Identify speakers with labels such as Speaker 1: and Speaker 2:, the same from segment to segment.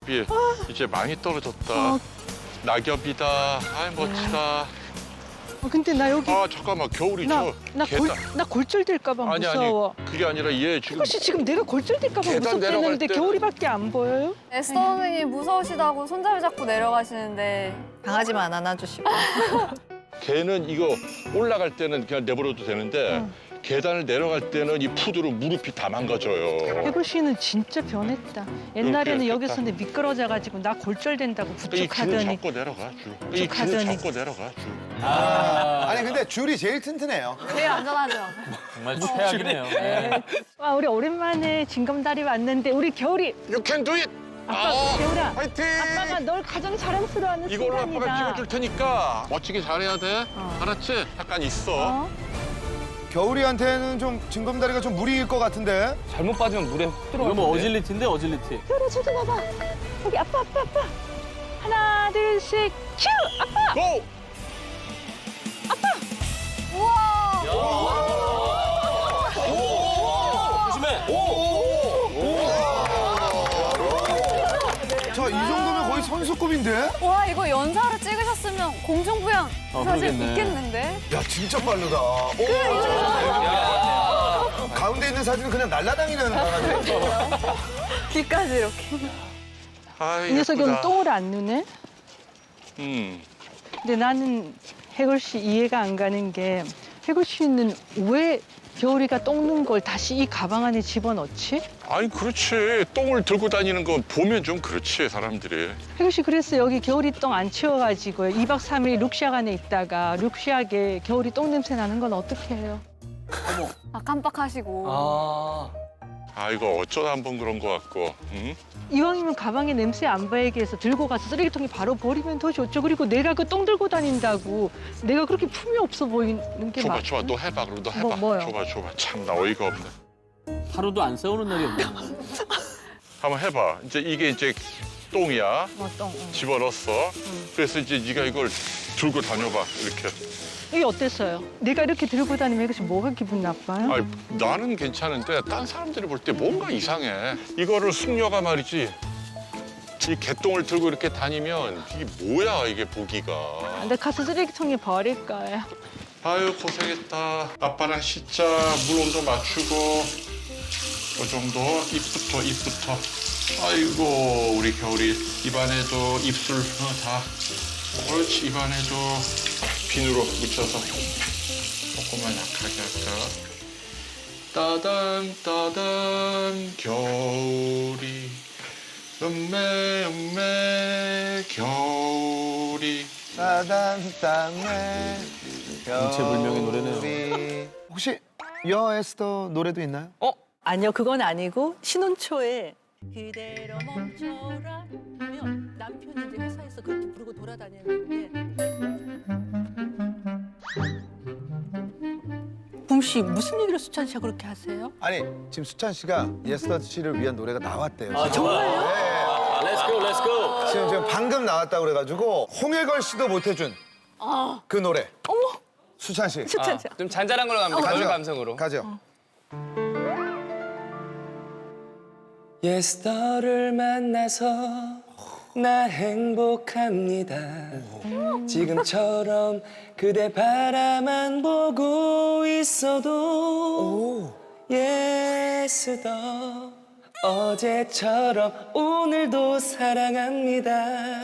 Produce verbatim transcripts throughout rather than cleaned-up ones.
Speaker 1: 비 이제 많이 떨어졌다.
Speaker 2: 어.
Speaker 1: 낙엽이다. 아 멋지다.
Speaker 2: 어, 근데 나 여기
Speaker 1: 아 잠깐만 겨울이
Speaker 2: 나,
Speaker 1: 저
Speaker 2: 나, 골,
Speaker 1: 계단.
Speaker 2: 나 골절될까 봐
Speaker 1: 아니
Speaker 2: 무서워.
Speaker 1: 아니 그게 아니라 얘 지금
Speaker 2: 혹시 지금 내가 골절될까 봐
Speaker 1: 계단 내려갈
Speaker 2: 무섭겠는데
Speaker 1: 때-
Speaker 2: 겨울이밖에 안 보여요?
Speaker 3: 에스더 선생님 무서우시다고 손잡이 잡고 내려가시는데
Speaker 4: 강아지만 안아주시고.
Speaker 1: 걔는 이거 올라갈 때는 그냥 내버려도 되는데
Speaker 2: 응.
Speaker 1: 계단을 내려갈 때는 이 푸드로 무릎이 다 망가져요.
Speaker 2: 해골 씨는 진짜 변했다. 옛날에는
Speaker 1: 이렇게
Speaker 2: 여기서 내 미끄러져가지고 나 골절된다고
Speaker 1: 이 줄을
Speaker 2: 부축하더니
Speaker 1: 잡고 내려가 줄. 이 줄을
Speaker 2: 부축하더니.
Speaker 1: 잡고 내려가 줄.
Speaker 5: 아니 근데 줄이 제일 튼튼해요.
Speaker 3: 제일 안전하죠.
Speaker 6: 정말 최악이네요. 네.
Speaker 2: 와 우리 오랜만에 징검다리 왔는데 우리 겨울이
Speaker 1: You can do it.
Speaker 2: 아빠
Speaker 1: 아,
Speaker 2: 겨울아
Speaker 1: 화이팅.
Speaker 2: 아빠가 널 가장 자랑스러워하는
Speaker 1: 이걸로 아빠가
Speaker 2: 순간이다.
Speaker 1: 찍어줄 테니까 멋지게 잘해야 돼.
Speaker 2: 어.
Speaker 1: 알았지? 잠깐 있어.
Speaker 2: 어?
Speaker 5: 겨울이한테는 좀 징검다리가 좀 무리일 것 같은데.
Speaker 6: 잘못 빠지면 물에 훅 들어가. 이거 뭐 어질리티인데 어질리티.
Speaker 2: 겨울아 저기 봐봐. 여기 아빠 아빠 아빠. 하나 둘 셋 큐! 아빠!
Speaker 1: 고!
Speaker 6: 조심해.
Speaker 5: 자, 이 정도면 거의 선수급인데?
Speaker 3: 와 이거 연사로 찍으셨으면 공중부양
Speaker 6: 어,
Speaker 3: 사실
Speaker 6: 그러겠네.
Speaker 3: 있겠는데?
Speaker 5: 야, 진짜 빠르다. 오, 가운데 있는 사진은 그냥 날라다니는 강아지.
Speaker 3: 뒤까지 이렇게.
Speaker 1: 아,
Speaker 2: 이 녀석이 오늘
Speaker 1: 예쁘다.
Speaker 2: 똥을 안 누네?
Speaker 1: 음.
Speaker 2: 근데 나는 해골 씨 이해가 안 가는 게 해골 씨는 왜 겨울이가 똥 눈 걸 다시 이 가방 안에 집어넣지?
Speaker 1: 아니 그렇지. 똥을 들고 다니는 거 보면 좀 그렇지 사람들이.
Speaker 2: 해골 씨 그랬어. 여기 겨울이 똥 안 치워가지고 이 박 삼 일 룩시악 안에 있다가 룩시악에 겨울이 똥 냄새 나는 건 어떻게 해요?
Speaker 3: 아 깜빡하시고.
Speaker 6: 아.
Speaker 1: 아 이거 어쩌다 한 번 그런 거 같고. 응?
Speaker 2: 이왕이면 가방에 냄새 안 배게 해서 들고 가서 쓰레기통에 바로 버리면 더 좋죠. 그리고 내가 그 똥 들고 다닌다고 내가 그렇게 품이 없어 보이는 게
Speaker 1: 줘봐
Speaker 2: 맞...
Speaker 1: 줘봐 너 해봐 그럼 너 해봐.
Speaker 2: 뭐, 뭐요?
Speaker 1: 줘봐 줘봐 참나 어이가 없네.
Speaker 6: 하루도 안 세우는 날이 없네.
Speaker 1: 한번 해봐. 이제 이게 이제 똥이야.
Speaker 2: 어, 똥. 응.
Speaker 1: 집어넣었어. 그래서 이제 네가 이걸 들고 다녀봐 이렇게.
Speaker 2: 이게 어땠어요? 내가 이렇게 들고 다니면 해골 씨 뭐가 기분 나빠요?
Speaker 1: 아니 나는 괜찮은데 딴 사람들이 볼 때 뭔가 이상해. 이거를 숙녀가 말이지. 이 개똥을 들고 이렇게 다니면 이게 뭐야 이게 보기가.
Speaker 2: 근데 가서 쓰레기통에 버릴 거예요.
Speaker 1: 아유 고생했다. 아빠랑 씻자. 물 온도 맞추고. 그 정도 입부터 입부터. 아이고 우리 겨울이 입안에도 입술 어, 다. 그렇지 입안에도 비누로 묻혀서 조금만 약하게 할까. 따단 따단 겨울이 음메 음메 겨울이.
Speaker 5: 따단, 땀에.
Speaker 6: 정체불명의 노래네요.
Speaker 5: 겨울이. 혹시 여 에스더 노래도 있나요?
Speaker 2: 아니요, 그건 아니고 신혼초에 그대로 멈춰라 하면 남편이 이제 회사에서 그렇게 부르고 돌아다녔는데 붐씨 무슨 얘기를 수찬 씨가 그렇게 하세요?
Speaker 5: 아니, 지금 수찬 씨가 예스더 씨를 위한 노래가 나왔대요.
Speaker 6: 아, 정말요?
Speaker 5: 네.
Speaker 6: 렛츠고 렛츠고.
Speaker 5: 지금 지금 방금 나왔다고 그래가지고 홍해걸 씨도 못 해준 그 노래. 어머. 수찬 씨.
Speaker 2: 수찬 씨.
Speaker 7: 좀 잔잔한 걸로 갑니다. 가을 감성으로.
Speaker 5: 가죠.
Speaker 7: 예스더를 만나서 나 행복합니다. 지금처럼 그대 바라만 보고 있어도 예스더 어제처럼 오늘도 사랑합니다.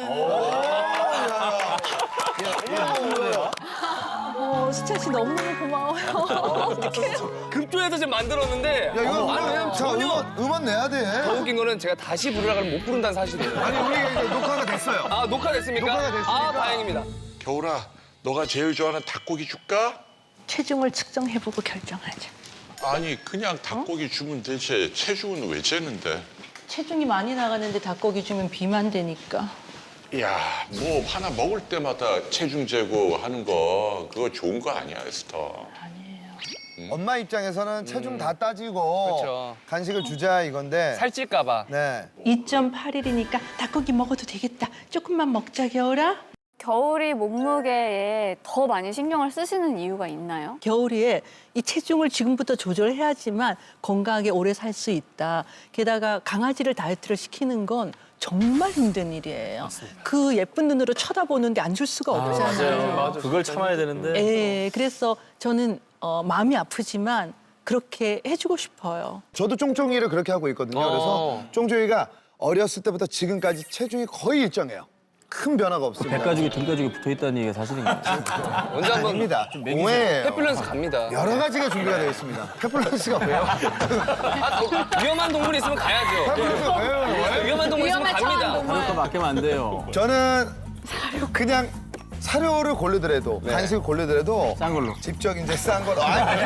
Speaker 2: 어, 수찬 씨 너무너무 고마워요.
Speaker 7: 급조해서 좀 만들었는데
Speaker 5: 야, 이거
Speaker 7: 아니, 왜냐면
Speaker 5: 자,
Speaker 7: 전혀
Speaker 5: 음원, 음원 내야 돼.
Speaker 7: 더 웃긴 거는 제가 다시 부르라 그러면 못 부른다는 사실이에요.
Speaker 5: 아니, 우리 이거 녹화가 됐어요.
Speaker 7: 아 녹화됐습니까?
Speaker 5: 녹화가 됐으니까.
Speaker 7: 아 다행입니다.
Speaker 1: 겨울아 너가 제일 좋아하는 닭고기 줄까?
Speaker 2: 체중을 측정해보고 결정하자.
Speaker 1: 아니 그냥 닭고기 주면 되지. 체중은 왜 재는데?
Speaker 2: 체중이 많이 나가는데 닭고기 주면 비만 되니까.
Speaker 1: 야, 뭐 하나 먹을 때마다 체중 재고 하는 거 그거 좋은 거 아니야, 에스터.
Speaker 5: 엄마 입장에서는 체중 다 따지고
Speaker 7: 그쵸.
Speaker 5: 간식을 주자 이건데.
Speaker 7: 살찔까봐.
Speaker 5: 네.
Speaker 2: 이 점 팔 일이니까 닭고기 먹어도 되겠다. 조금만 먹자, 겨울아.
Speaker 3: 겨울이 몸무게에 더 많이 신경을 쓰시는 이유가 있나요?
Speaker 2: 겨울에 이 체중을 지금부터 조절해야지만 건강하게 오래 살 수 있다. 게다가 강아지를 다이어트를 시키는 건 정말 힘든 일이에요. 그 예쁜 눈으로 쳐다보는데 안 줄 수가 없잖아요.
Speaker 6: 맞아요. 그걸 참아야 되는데.
Speaker 2: 예, 그래서 저는 어, 마음이 아프지만 그렇게 해주고 싶어요.
Speaker 5: 저도 쫑쫑이를 그렇게 하고 있거든요. 그래서
Speaker 7: 어.
Speaker 5: 쫑쫑이가 어렸을 때부터 지금까지 체중이 거의 일정해요. 큰 변화가 없습니다.
Speaker 6: 배 가죽이 등 가죽이 붙어 있다는 얘기가 사실인가요?
Speaker 7: 언제 한번
Speaker 5: 아닙니다. 오해예요.
Speaker 7: 페플런스 갑니다.
Speaker 5: 여러 가지가 준비가 되어 있습니다. 페플런스가 왜요?
Speaker 7: 위험한 동물 있으면 가야죠.
Speaker 5: 페플런스가 왜요?
Speaker 7: 위험한 동물 있으면
Speaker 3: 위험한
Speaker 7: 갑니다.
Speaker 3: 차원 동물.
Speaker 6: 그것도 맡기면 안 돼요.
Speaker 5: 저는 그냥 사료를 고르더라도 간식을 고르더라도
Speaker 6: 싼 걸로.
Speaker 5: 직접 이제 싼 걸로. 아니,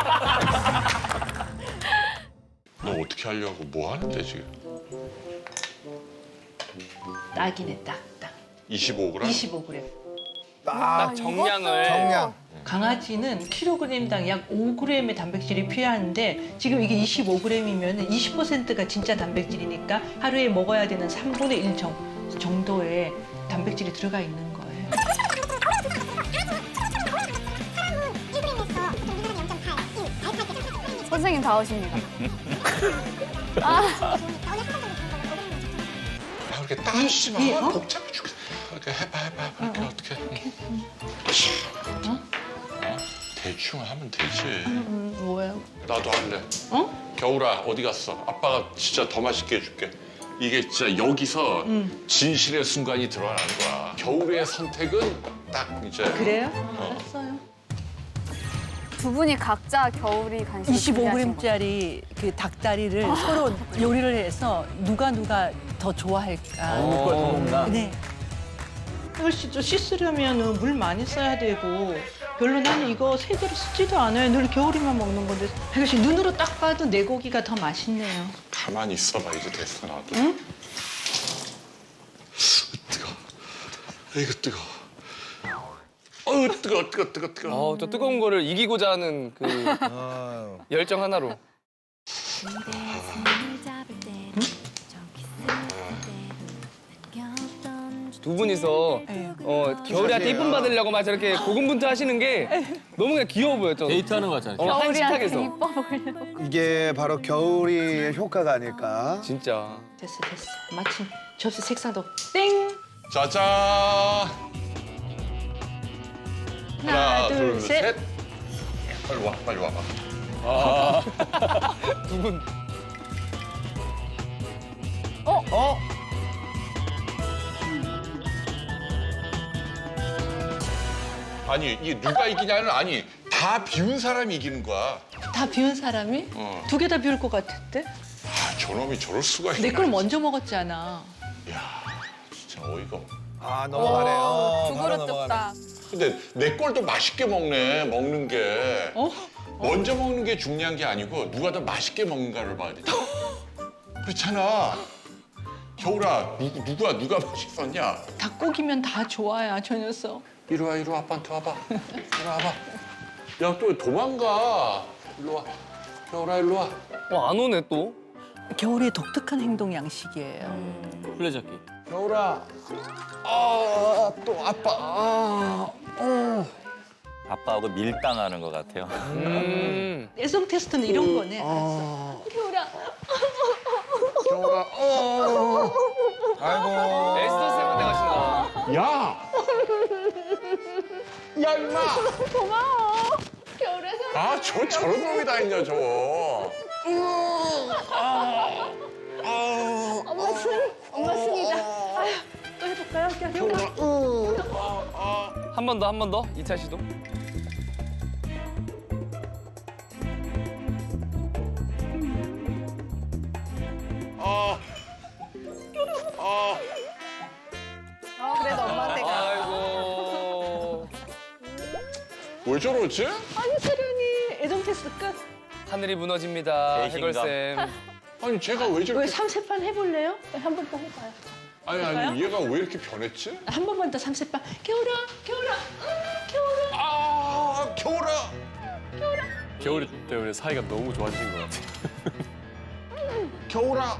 Speaker 1: 너 어떻게 하려고 뭐 하는데 지금?
Speaker 2: 딱이네, 딱, 딱.
Speaker 1: 이십오 그램?
Speaker 2: 이십오 그램.
Speaker 5: 딱
Speaker 7: 정량을.
Speaker 5: 정량.
Speaker 2: 강아지는 킬로그램당 약 오 그램의 단백질이 필요한데 지금 이게 이십오 그램이면 이십 퍼센트가 진짜 단백질이니까 하루에 먹어야 되는 삼분의 일 정, 정도의 단백질이 들어가 있는 거예요.
Speaker 3: 선생님 다 오십니다.
Speaker 1: 아, 그렇게 따지지 마.
Speaker 2: 예, 어?
Speaker 1: 복잡해 죽겠어. 이렇게 해봐, 해봐, 해봐. 이렇게 어떻게. 어? 대충 하면 되지.
Speaker 2: 음, 뭐예요?
Speaker 1: 나도 할래.
Speaker 2: 어?
Speaker 1: 겨울아, 어디 갔어? 아빠가 진짜 더 맛있게 해줄게. 이게 진짜 여기서 진실의 순간이 드러나는 거야. 겨울의 선택은 딱 이제.
Speaker 2: 그래요?
Speaker 1: 어.
Speaker 2: 알았어요.
Speaker 3: 두 분이 각자 겨울이 간식
Speaker 2: 이십오 그램짜리 그 닭다리를 서로 요리를 해서 누가 누가 더 좋아할까.
Speaker 6: 먹을 걸 더 먹나?
Speaker 2: 네. 이걸 또 씻으려면 물 많이 써야 되고 별로 나는 이거 세제로 쓰지도 않아요. 늘 겨울이만 먹는 건데 이것이 눈으로 딱 봐도 내 고기가 더 맛있네요.
Speaker 1: 가만히 있어봐. 이제 됐어, 나도.
Speaker 2: 응?
Speaker 1: 뜨거. 이거 뜨거. 어우, 뜨거, 뜨거, 뜨거, 뜨거.
Speaker 7: 어, 저 뜨거운 거를 이기고자 하는 그
Speaker 5: 아유.
Speaker 7: 열정 하나로. 두 분이서
Speaker 2: 네.
Speaker 7: 어, 겨울이한테 이쁨 받으려고 막 저렇게 고군분투 하시는 게 너무 그냥 귀여워 보여. 저는.
Speaker 6: 데이트하는 거 같잖아요.
Speaker 7: 어,
Speaker 3: 겨울이한테
Speaker 7: 한식탁에서.
Speaker 3: 이뻐 보이려고.
Speaker 5: 이게 바로 겨울이의 효과가 아닐까.
Speaker 7: 진짜.
Speaker 2: 됐어 됐어. 마침 접시 색상도 땡.
Speaker 1: 짜잔.
Speaker 2: 하나, 둘, 셋.
Speaker 1: 빨리 와, 빨리 와봐.
Speaker 7: 두 분.
Speaker 5: 어?
Speaker 1: 아니, 이게 누가 이기냐는 아니, 다 비운 사람이 이기는 거야.
Speaker 2: 다 비운 사람이?
Speaker 1: 어.
Speaker 2: 두 개 다 비울 것 같은데?
Speaker 1: 아, 저놈이 저럴 수가 있나.
Speaker 2: 내 걸 먼저 먹었잖아.
Speaker 1: 야, 진짜 어이가 없네.
Speaker 5: 아 넘어가네. 어,
Speaker 3: 두
Speaker 5: 바로
Speaker 3: 그릇
Speaker 5: 넘어가네.
Speaker 3: 뚝딱.
Speaker 1: 근데 내 걸 또 맛있게 먹네, 먹는 게.
Speaker 2: 어?
Speaker 1: 먼저 먹는 게 중요한 게 아니고 누가 더 맛있게 먹는가를 봐야 돼. 그렇잖아. 겨울아, 누구, 누가 누가 맛있었냐?
Speaker 2: 닭고기면 다 좋아야 저 녀석.
Speaker 1: 이리 와, 이리 와, 아빠한테 와봐. 이리 와봐. 야, 또 도망가. 일로 와. 겨울아, 일로 와.
Speaker 7: 어, 안 오네 또.
Speaker 2: 겨울의 독특한 행동 양식이에요.
Speaker 6: 플레잡기.
Speaker 1: 겨울아. 아, 또 아빠. 아, 어.
Speaker 4: 아빠하고 밀당하는 것 같아요.
Speaker 7: 음.
Speaker 2: 애성 테스트는 이런 거네. 알았어. 겨울아.
Speaker 1: 겨울아. 어.
Speaker 5: 아이고.
Speaker 7: 에스더 쌤한테 가신다.
Speaker 1: 야! 야, 임마!
Speaker 3: 고마워. 겨울에서.
Speaker 1: 아, 저 저런 놈이 다 있냐, 저거. 아, 아,
Speaker 3: 엄마 승. 엄마 승이다.
Speaker 2: 또 해볼까요? 겨울아.
Speaker 7: 한 번 더, 한 번 더. 이차 시도.
Speaker 1: 아, 아.
Speaker 3: 어, 그래도 엄마한테 가.
Speaker 7: 아이고.
Speaker 1: 왜 저러지?
Speaker 2: 아니 세련이 애정 테스트 끝.
Speaker 7: 하늘이 무너집니다.
Speaker 4: 배신감.
Speaker 7: 해걸 쌤.
Speaker 1: 아니, 쟤가 왜
Speaker 2: 왜
Speaker 1: 저렇게.
Speaker 2: 삼세판 해볼래요? 한 번 더 해봐요.
Speaker 1: 아니, 아니, 얘가 왜 이렇게 변했지?
Speaker 2: 한 번만 더 삼세판. 겨울아, 겨울아, 응, 겨울아.
Speaker 1: 아, 겨울아!
Speaker 6: 겨울 때문에 사이가 너무 좋아지신 것 같아요.
Speaker 1: 겨울아!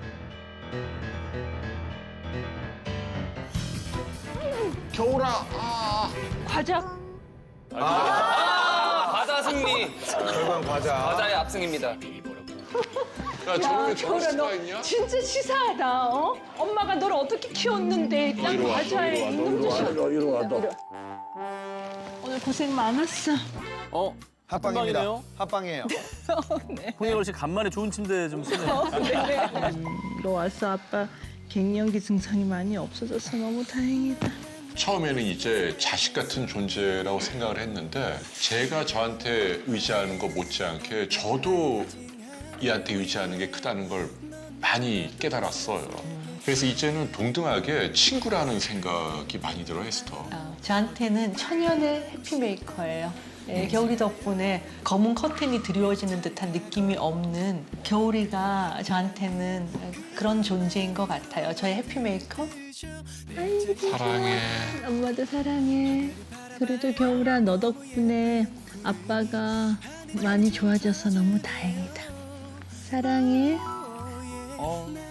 Speaker 1: 겨울아! 아.
Speaker 2: 과자.
Speaker 7: 아, 과자 승리.
Speaker 5: 결과는 과자.
Speaker 7: 과자의 압승입니다.
Speaker 1: 야, 저런 게 저럴
Speaker 2: 겨울아,
Speaker 1: 수가
Speaker 2: 너
Speaker 1: 있냐?
Speaker 2: 진짜 치사하다. 어? 엄마가 너를 어떻게 키웠는데
Speaker 1: 너
Speaker 2: 딱
Speaker 1: 이리 와,
Speaker 2: 과자에
Speaker 1: 너 이리 와, 너
Speaker 2: 임금
Speaker 1: 이리 와,
Speaker 2: 주시.
Speaker 1: 너 이리 와, 너.
Speaker 2: 오늘 고생 많았어.
Speaker 6: 어?
Speaker 5: 합방입니다.
Speaker 6: 합방이네요?
Speaker 5: 합방이에요.
Speaker 6: 홍해걸 씨 간만에 좋은 침대 좀 쓰네요.
Speaker 2: 너 와서 아빠 갱년기 증상이 많이 없어져서 너무 다행이다.
Speaker 1: 처음에는 이제 자식 같은 존재라고 생각을 했는데 제가 저한테 의지하는 거 못지않게 저도 이한테 의지하는 게 크다는 걸 많이 깨달았어요. 그래서 이제는 동등하게 친구라는 생각이 많이 들어, 에스터.
Speaker 2: 어, 저한테는 천연의 해피메이커예요. 예, 겨울이 덕분에 검은 커튼이 드리워지는 듯한 느낌이 없는 겨울이가 저한테는 그런 존재인 것 같아요. 저의 해피메이커.
Speaker 1: 사랑해.
Speaker 2: 엄마도 사랑해. 그래도 겨울아 너 덕분에 아빠가 많이 좋아져서 너무 다행이다. 사랑해.
Speaker 6: 어.